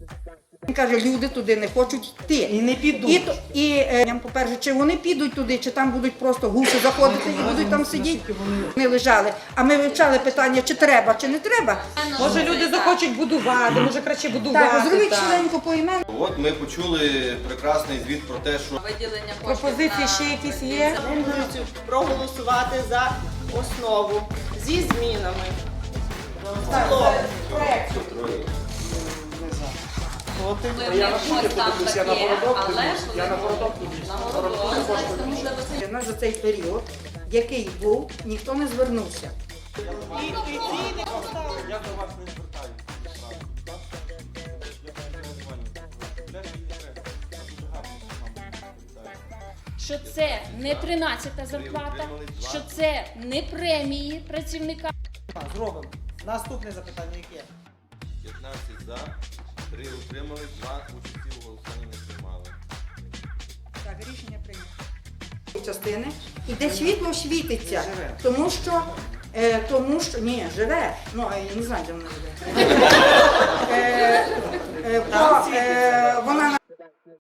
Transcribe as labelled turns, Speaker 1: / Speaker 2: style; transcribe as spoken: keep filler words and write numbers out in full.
Speaker 1: Він каже, люди туди не хочуть йти.
Speaker 2: І не підуть.
Speaker 1: І, то- і е, по-перше, чи вони підуть туди, чи там будуть просто гуси заходити і будуть там сидіти. Вони лежали. А ми вивчали питання, чи треба, чи не треба.
Speaker 2: Може люди захочуть будувати, може краще будувати.
Speaker 1: Так, зробіть
Speaker 2: так.
Speaker 1: швиденько по імену.
Speaker 3: От ми почули прекрасний звіт про те, що
Speaker 4: Виділення коштів
Speaker 2: Пропозиції
Speaker 4: на-
Speaker 2: ще якісь є?
Speaker 5: Пропозицію проголосувати за основу зі змінами. Слово.
Speaker 4: Ми не щось там таке, але коли на городок, значить, можливо, це
Speaker 1: У нас за цей період, який був, ніхто не звернувся.
Speaker 5: І, і ці не поставили.
Speaker 6: Я до вас не звертаюся. Я переживаю. Для мене не треба. Я дуже гарно вам.
Speaker 7: що це не тринадцята зарплата, що це не премії працівника.
Speaker 2: Зробимо. Наступне запитання яке?
Speaker 3: п'ятнадцять за, три утримали, два участі у голосуванні не приймали.
Speaker 1: Так, рішення прийнято. Частини, і де світло світиться, тому що, е, тому що, ні, живе, ну, а я не знаю, де воно живе. Е, е, по, е,